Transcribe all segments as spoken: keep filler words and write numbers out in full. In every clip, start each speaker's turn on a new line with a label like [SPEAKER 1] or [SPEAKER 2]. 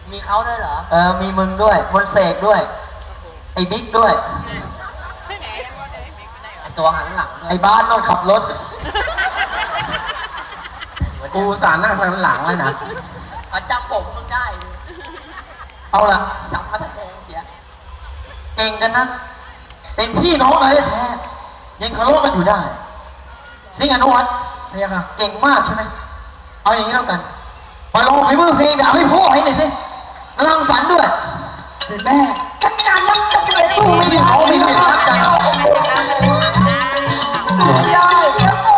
[SPEAKER 1] มีเขาด้วยเหรอ
[SPEAKER 2] เออมีมึงด้วยมนเสกด้วยไอ้บิ๊กด้วย
[SPEAKER 1] ไอตัวหันหลัง
[SPEAKER 2] ไอ้บ้านต้องขับรถ
[SPEAKER 3] กูสารนั่งหลังเลยนะ
[SPEAKER 1] เขาจำผมมึงได้
[SPEAKER 2] เอาละ
[SPEAKER 1] จำมาแสดงเจีย
[SPEAKER 2] เก่งกันนะเป็นพี่น้องเลยแท้ยังทะเลาะกันอยู่ได้สิงห์อนุวัฒน์เนี่ยค่ะเก่งมากใช่ไหมเอาอย่างนี้แล้วกันมาลองฝีมือเพลงด่าให้พ่อให้หน่อยสิรังสรรค์ด้วยเสร็จแม่จัดการแล้วจะไปสู้ไม่ได้เขาไม่ได้รักกันสู้ไม่ได้เสียโ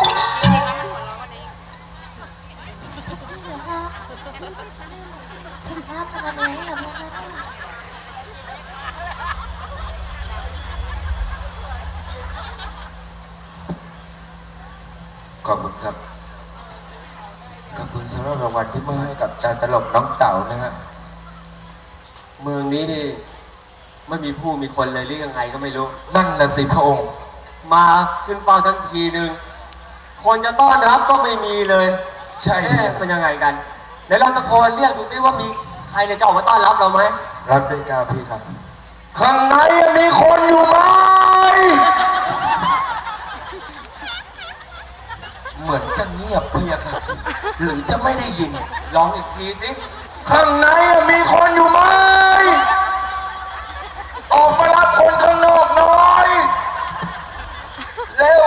[SPEAKER 3] ขอบคุณครับขอบคุณสำหรับรางวัลที่มอบให้กับจาตลกน้องเต่านะฮะเมืองนี้นี่ไม่มีผู้มีคนเลยหรือยังไงก็ไม่รู้นั่นน่ะสิพระองค์มาขึ้นเฝ้าทั้งทีหนึ่งคนจะต้อนรับก็ไม่มีเลยใช่เป็นยังไงกันเดี๋ยวเราตะโกนเรียกดูซิว่ามีใครจะออกมาต้อนรับเราไหมรับด้วยกาพี่ครับข้างในมีคนอยู่ไหมเหมือนจะเงียบเพียครับหรือจะไม่ได้ยินลองอีกทีสิข้างในมีคนอยู่ไหมออกมารับคนข้างนอกหน่อยเร็ว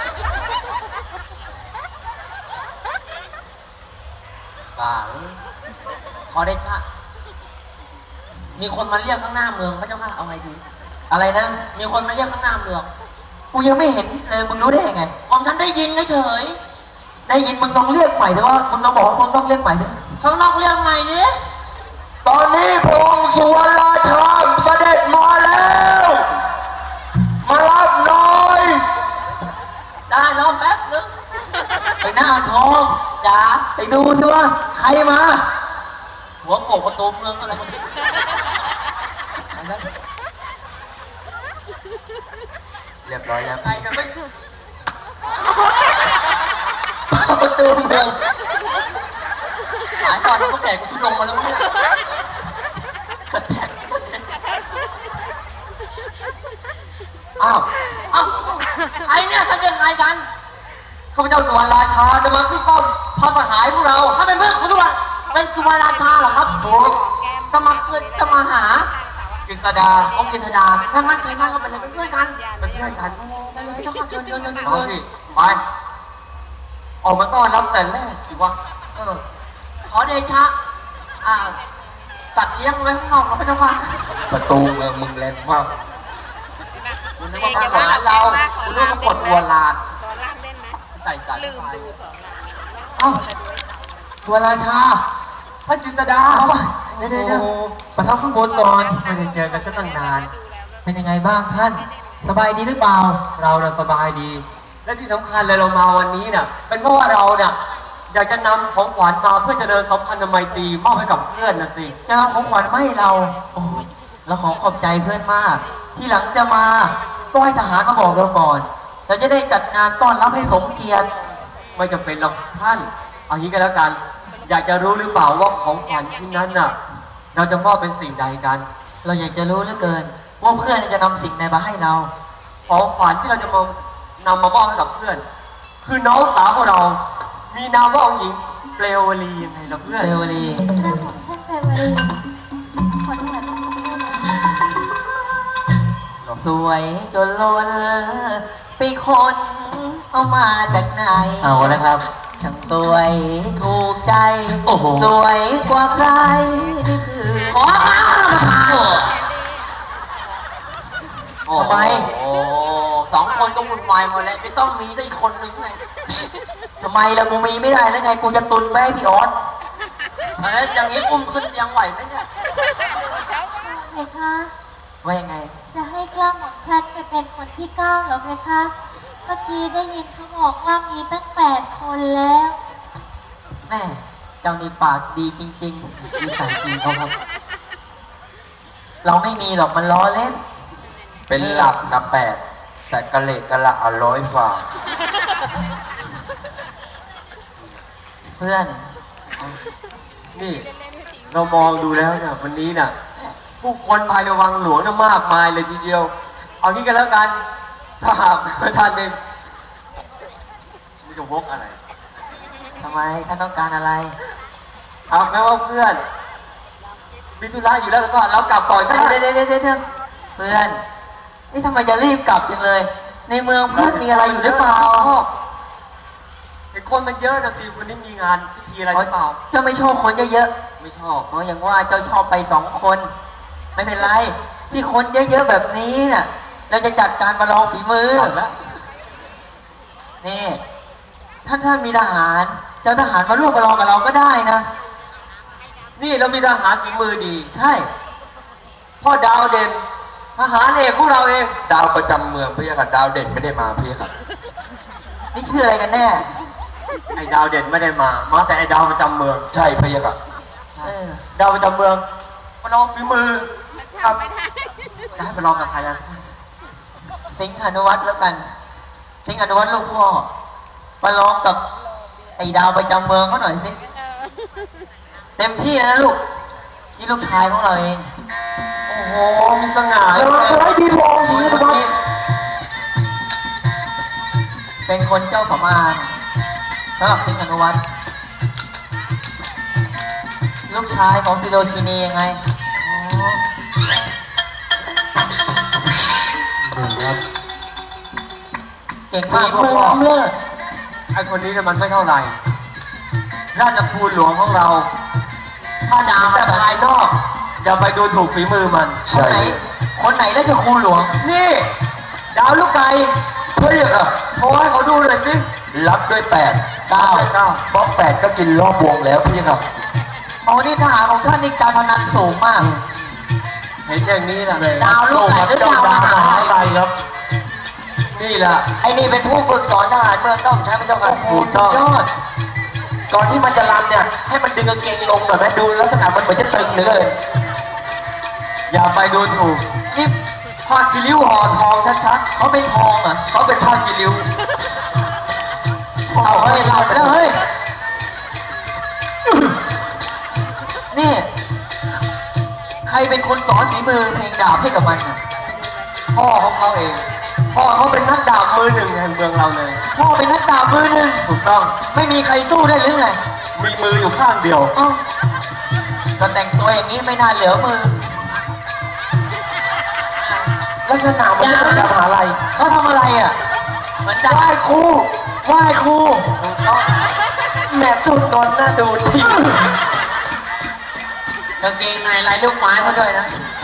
[SPEAKER 1] ป่าขอได้ชะมีคนมาเรียกข้างหน้าเมืองพระเจ้าค่ะเอาไงดี
[SPEAKER 2] อะไรนะ
[SPEAKER 1] มีคนมาเรียกข้างหน้าเมือง
[SPEAKER 2] กูยังไม่เห็นเลยมึงรู้ได้ยังไง
[SPEAKER 1] ผมฉันได้ยินเฉย
[SPEAKER 2] ได้ยินมึงลองเรียกใหม่แต่ว่ามึงลองบอกว่าคนต้องเรียกใหม่สิ
[SPEAKER 1] ข้างนอกเรียกใหม่ดิ
[SPEAKER 3] ตอนนี้พระองค์สุวรรณราชาเสด็จมาแล้วมารับหน่อย
[SPEAKER 1] ได้รอแป๊บนึง
[SPEAKER 2] ไปหน้าทอง
[SPEAKER 1] จ๋า
[SPEAKER 2] ไปดูสิว่าใครมา
[SPEAKER 1] หัวโขกประตูเมืองอะไรมัน
[SPEAKER 3] เรียบร้อยแล้ว
[SPEAKER 1] ไปกันไม่ประตูเมืองหายตอนพวกแก่กูทุดงมาแล้วเนี่ยกระแทก
[SPEAKER 2] อ้าว
[SPEAKER 1] อ้าวใครเนี่ยท่านเป็นใครกัน
[SPEAKER 2] ข้าพเจ้าสุวรรณราชาจะมาขึ้นป้อมพระมหาพวกเรา
[SPEAKER 1] ถ้าเป็นเพื่อนของสุวรรณเป็นสุวรรณราชาเหรอครับ
[SPEAKER 2] ถูก
[SPEAKER 1] จะมาคืนจะมาหา
[SPEAKER 2] กิตดา
[SPEAKER 1] องค์กิตดาถ้างั้นเชิญนั่งก็เป็นเพื่อนกัน
[SPEAKER 2] เป็นเพื่อนกัน
[SPEAKER 1] ไปเลยพี่เจ้าค่ะเชิญเชิญเชิญเชิญ
[SPEAKER 2] ไปออกมาต้อนรับแต่แรกสิวะ
[SPEAKER 1] เออขอเดชะอ่าสัตว์เลี้ยงไว้ข้างนอกเราไม่ต้องว่า
[SPEAKER 3] ประตูเมืองมึงแรงมาก
[SPEAKER 1] คุณนึกว่าทหารเราคุณนึกว่ากดวัวลานใส่สายลืมดู
[SPEAKER 2] เอ้าสุวรรณราชาท่านกิตดาเดี๋ยวเดี๋ยวประทับข้างบนก่อนไม่ได้เจอกันตั้งนานเป็นยังไงบ้างท่านสบายดีหรือเปล่าเราเราสบายดีและที่สำคัญเลยเรามาวันนี้เนี่ยเป็นเพราะว่าเราเนี่ยอยากจะนำของขวัญมาเพื่อจะเดินสัมพันธ์ไมตรีมอบให้กับเพื่อนนะสิจะนำของขวัญมาให้เราโอ้เราขอขอบใจเพื่อนมากที่หลังจะมาก็ให้ทหารมาบอกเราก่อนเราจะได้จัดงานต้อนรับให้สมเกียรติไม่จำเป็นหรอกท่านเอางี้ก็แล้วกันอยากจะรู้หรือเปล่าว่าของขวัญชิ้นนั้นน่ะเราจะมอบเป็นสิ่งใดกันเราอยากจะรู้เหลือเกินว่าเพื่อนจะนำสิ่งใดมาให้เราของขวัญที่เราจะมานำมามอบให้กับเพื่อนคือน้องสาวของเรามีนามว่าองค์หญิงเปลวลียังไงล่ะเพื่อนเปลวลี
[SPEAKER 4] กระผมฉันเปลวลีคนเหมือน
[SPEAKER 2] สวยจนล้นไปคนเอามาจากไหนเอาแล้วครับช่างสวยถูกใจโอ้โหสวยกว่าใครนี่คือ
[SPEAKER 1] ขอข้าวมาทาน
[SPEAKER 2] โอ้ไป
[SPEAKER 1] โอ้สองคนก็วุ่นวายหมดแล้วไม่ต้องมีซะอีกคนนึงไง
[SPEAKER 2] ทำไมล่ะกูมีไม่ได้แล้วไงกูจะตุนไปให้พี่ออส
[SPEAKER 1] แล้วอย่างนี้อุ้มขึ้นยังไหวไหมเนี่ย
[SPEAKER 4] เพคะ
[SPEAKER 2] ว่ายังไง
[SPEAKER 4] จะให้กล้าของฉันไปเป็นคนที่เก้าเหรอเพคะเมื่อกี้ได้ยินเขาบอกว่ามีตั้งแปดคนแล้ว
[SPEAKER 2] แม่เจ้านี่ปากดีจริงๆมีสายจริงเขาครับเราไม่มีหรอกมันล้อเล่น
[SPEAKER 3] เป็นหลักนะแปดแต่กะเละกะละอร้อยฝ่า
[SPEAKER 2] เพื่อนนี่
[SPEAKER 3] เรามองดูแล้วเนี่ยวันนี้น่ะผู้คนภายในวังหลวงน่ะมากมายเลยทีเดียว เอางี้กันแล้วกันถ้าหากท่านเนี่ยไม่จะวกอะไร
[SPEAKER 2] ทำไมท่านต้องการอะไร
[SPEAKER 3] เอาแม้ว่าเพื่อนมีธุระอยู่แล้วแล้วก็เรากลับก่อนก็
[SPEAKER 2] เดี๋ยว
[SPEAKER 3] ได้
[SPEAKER 2] เดี๋ยวเดี๋ยวเดี๋ยวเพื่อน นี่ทำไมจะรีบกลับจังเลย ในเมืองเพื่อนมีอะไรอยู่หรือเปล่า
[SPEAKER 3] ไอ้คนมันเยอะนะทีวันนี้มีงานพิธีอะไรหรือเปล่า
[SPEAKER 2] เจ้าไม่ชอบคนเยอะ
[SPEAKER 3] ไม่ชอบ
[SPEAKER 2] ๆเพราะอย่างว่าเจ้าชอบไปสองคน ไม่เป็นไร ที่คนเยอะๆแบบนี้น่ะ เราจะจัดการประลองฝีมือ
[SPEAKER 3] เอาละ
[SPEAKER 2] นี่ท่านท่านมีทหาร เจ้าทหารมาร่วมประลองกับเราก็ได้นะ
[SPEAKER 3] นี่เรามีทหารฝีมือดี
[SPEAKER 2] ใช่
[SPEAKER 3] พ่อดาวเด่นทหารเอกพวกเราเอง
[SPEAKER 1] ดาวประจำเมืองพี่ค่ะดาวเด่นไม่ได้มาพี่ค่ะ
[SPEAKER 2] นี่ชื่ออะไรกันแน่
[SPEAKER 3] ไอ้ดาวเด่นไม่ได้มา มาแต่ไอ้ดาวประจำเมือง
[SPEAKER 1] ใช่พี่ค่ะ
[SPEAKER 2] เออ
[SPEAKER 3] ดาวประจำเมืองมาลองฝีมือครับจะให้ไปลองกับใครนะ
[SPEAKER 2] สิงห์อนุวัฒน์แล้วกัน สิงห์อนุวัฒน์ลูกพ่อประลองกับไอ้ดาวประจำเมืองเขาหน่อยสิ เต็มที่นะลูก นี่ลูกชายของเราเอง
[SPEAKER 3] โอ้โห มีสง่า
[SPEAKER 2] เออเฮ้ยดีพอสิงห์อนุวัฒน์ เป็นคนเจ้าสำอางสำหรับสิงห์อนุวัฒน์ลูกชายของซิโรชินียังไงอ๋อ
[SPEAKER 3] ครับ
[SPEAKER 2] เก่งมากลูกพ่อ
[SPEAKER 3] ไอ้คนนี้เนี่ยมันไม่เท่าไหร่ ราชภูมิหลวงของเรา ถ้าดาวแต่ภายนอกอย่าไปดูถูกฝีมือมัน
[SPEAKER 2] คนไหน คนไหนแล้วจะครูหลวง
[SPEAKER 3] นี่ ดาวลูกไก่เฮ้ยอะโทรให้เขาดูหน่อยสิ
[SPEAKER 1] รับด้วยแปด
[SPEAKER 3] เก้าเก้า
[SPEAKER 1] เพราะแปดก็กินรอบวงแล้วพี่ค่ะ
[SPEAKER 2] อ๋อนี่ทหารของท่านนี่การพนันสูงมาก
[SPEAKER 3] เห็นอย่างนี้แหละเลย
[SPEAKER 2] ดาวลูกไก่หรือดาวมหาลัย
[SPEAKER 1] ไปครับ
[SPEAKER 3] นี่แหละ
[SPEAKER 2] ไอ้นี่เป็นผู้ฝึกสอนทหารเมืองต้องใช้พระเจ้าค่ะ
[SPEAKER 3] ถูกต้อง
[SPEAKER 2] ยอด
[SPEAKER 1] ก่อนที่มันจะรำเนี่ย ให้มันดึงกางเกงลงหน่อยไหมดูลักษณะมันเหมือนจะตึงเหลย
[SPEAKER 3] อย่าไปดูถูก
[SPEAKER 2] นี่
[SPEAKER 3] ผ้ากิริ้วห่อทองชัด
[SPEAKER 2] เขาเป็นทองเหรอ่ะ
[SPEAKER 3] ๆเขาเป็นผ้ากิริ้ว
[SPEAKER 2] เอาเขาได้รับแล้วเฮ้ย นี่ ใครเป็นคนสอนฝีมือเพลงดาบให้กับมันน่ะ
[SPEAKER 3] พ่อของเขาเอง พ่อเขาเป็นนักดาบมือหนึ่งแห่งเมืองเราเลย
[SPEAKER 2] พ่อเป็นนักดาบมือหนึ่ง
[SPEAKER 3] ถูกต้อง
[SPEAKER 2] ไม่มีใครสู้ได้หรือไง
[SPEAKER 3] มีมืออยู่ข้างเดียว
[SPEAKER 2] เอ้าก็แต่งตัวอย่างนี้ไม่น่าเหลือมือ
[SPEAKER 1] ลักษณะมันจะจะมหาลัย
[SPEAKER 2] เขาทำอะไรอ่ะเหมือนดาบ
[SPEAKER 3] ไหว้ครู
[SPEAKER 2] ไหว้ครู
[SPEAKER 3] ถูกต้อง
[SPEAKER 1] แม่จุดนอนหน้าดูที่
[SPEAKER 2] กางเกงในลายลูกไม้เขาด้วยนะ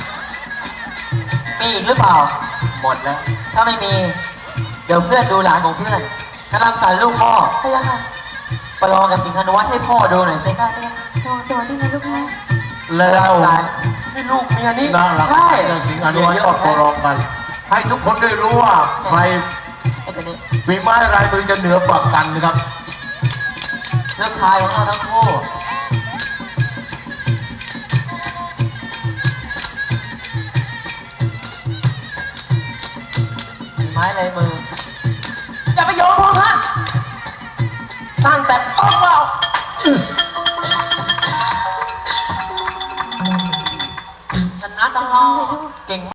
[SPEAKER 2] มีอีกหรือเปล่า
[SPEAKER 3] หมดแล้ว
[SPEAKER 2] ถ้าไม่มี เดี๋ยวเพื่อนดูหลานของเพื่อนกำลังสอนลูกพ่อไปยังไงประลองกับสิงห์อนุวัฒน์ให้พ่อดูหน่อยสิได้ไหมโดนโดนนี่นะลูกนะ
[SPEAKER 1] แล้ว
[SPEAKER 2] หลาน
[SPEAKER 3] นี่ลูกเมียนี่
[SPEAKER 1] น่ารัก
[SPEAKER 2] ใช่
[SPEAKER 1] เจ้าสิงห์อนุวัฒน์ก็ขอร้องกัน ให้ทุกคนได้รู้ว่าใคร
[SPEAKER 2] ไอ้ตัวนี้
[SPEAKER 1] ฝีไม้ลายมือจะเหนือกว่ากันนะครับ
[SPEAKER 2] ลูกชายของเราทั้งคู่ฝีไม้ลายมือ
[SPEAKER 1] อย่าไปโยนพวกท่านสร้างแต่ออกเปล่าชนะตลอด
[SPEAKER 2] เก่ง